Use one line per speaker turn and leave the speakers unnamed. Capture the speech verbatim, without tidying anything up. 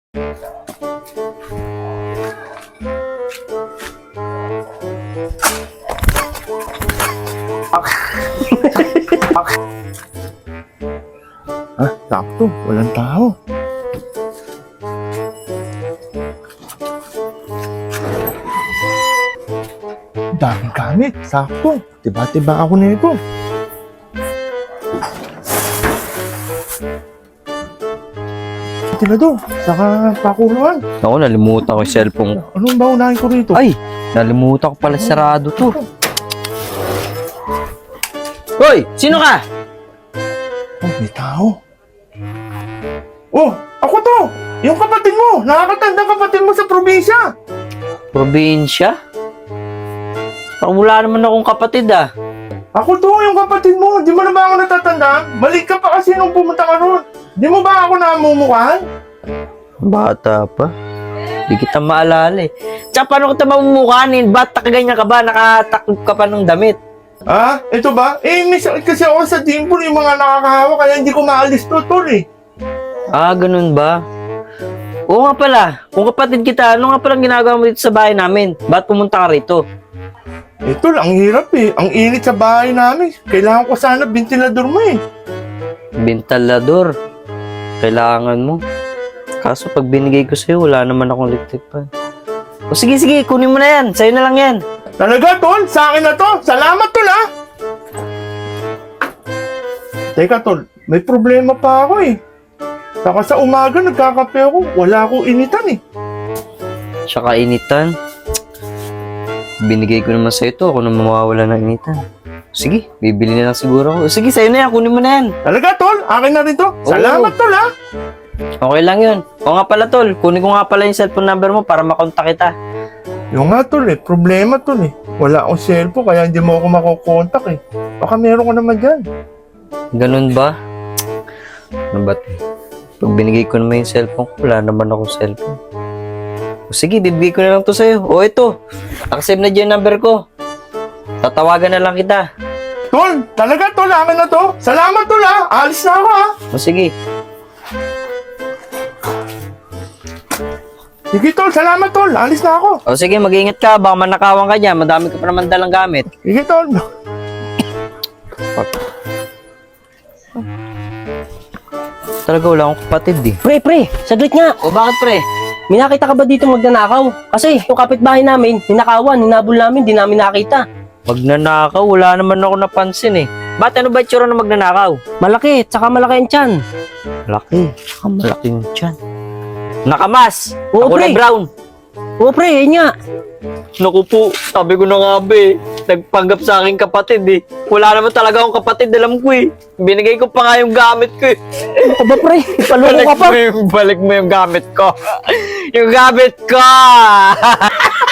Ah, sakto. Walang tao. Daming gamit. Sakto. Tiba-tiba ako nito. Tinado, saka pakuluan.
Ako, nalimutan ko yung cellphone ko.
Anong ba unahin ko rito?
Ay, nalimutan ko pala sarado to. Hoy, sino ka?
Oh, may tao. Oh, ako to! Yung kapatid mo! Nakakatanda kapatid mo sa probinsya!
Probinsya? Parang wala naman akong kapatid ah.
Ako to, yung kapatid mo! Di mo na ba ako natatanda? Mali ka pa kasi nung pumunta ka ron. Di mo ba ako namumukhaan?
Bata pa. Di kita maalala eh. Tsaka paano kita mamumukhanin? Ba't nakaganyan ka ba? Nakatakip ka pa ng damit?
Ah, ito ba? Eh, may sakit kasi ako sa dimple yung mga nakakahawa kaya hindi ko maalis to, tol eh.
Ah, ganun ba? Oo nga pala. Kung kapatid kita, ano nga palang ginagawa mo dito sa bahay namin? Ba't pumunta ka rito?
Ito lang, ang hirap eh. Ang init sa bahay namin. Kailangan ko sana ventilador mo eh.
Bentalador. Kailangan mo. Kaso pag binigay ko sa'yo, wala naman akong electric fan. O sige, sige, kunin mo na yan. Sa'yo na lang yan.
Talaga, tol? Sa akin na to? Salamat, tol, ha? Teka, tol. May problema pa ako eh. Saka sa umaga, nagkakape ako. Wala akong initan eh.
Tsaka initan. Binigay ko naman sa'yo ito. Ako na mawawala ng initan. Sige, bibili na lang siguro ako. Sige, sa'yo na yan. Kunin mo na yan.
Talaga, tol? Akin na rin to? Salamat, tol, ha?
Okay lang yun. O nga pala, tol. Kunin ko nga pala yung cellphone number mo para makontak kita.
Yung nga, tol, eh. Problema, tol, eh. Wala akong cellphone, kaya hindi mo ako makukontak, eh. Baka meron ko naman dyan.
Ganun ba? Ano ba? Pag binigay ko naman yung cellphone ko, wala naman akong cellphone. O sige, bibigay ko na lang to sa'yo. O ito, accept na dyan yung number ko. Tatawagan na lang kita.
Tol, talaga, tol, akin na to. Salamat, tol, ha? Alis na ako, ha?
O sige.
Sige, tol, salamat, tol. Alis na ako.
O sige, mag-iingat ka. Baka manakawan ka dyan. Madami ka pa naman dalang gamit.
Sige, tol.
Talaga wala akong kapatid eh.
Pre, pre, saglit nga.
O bakit pre?
May nakita ka ba dito magnanakaw? Kasi yung kapitbahay namin, ninakawan, hinabol namin, di namin nakita.
Magnanakaw, wala naman ako napansin eh. Ba't ano ba itsura na magnanakaw?
Malaki, tsaka malaki ang tiyan.
Laki, tsaka malaking tiyan. Nakamas!
Oo,
Kulay
pre.
brown.
Oo, pre, yun nga.
Naku po, sabi ko na nga ba eh. Nagpanggap sa akin kapatid eh. Wala naman talaga akong kapatid, alam ko eh. Binigay ko pa nga yung gamit ko eh.
Ano ka ba, pre? Ipaloko
Balik
ka pa.
mo yung, balik mo yung gamit ko. Yung gamit ko!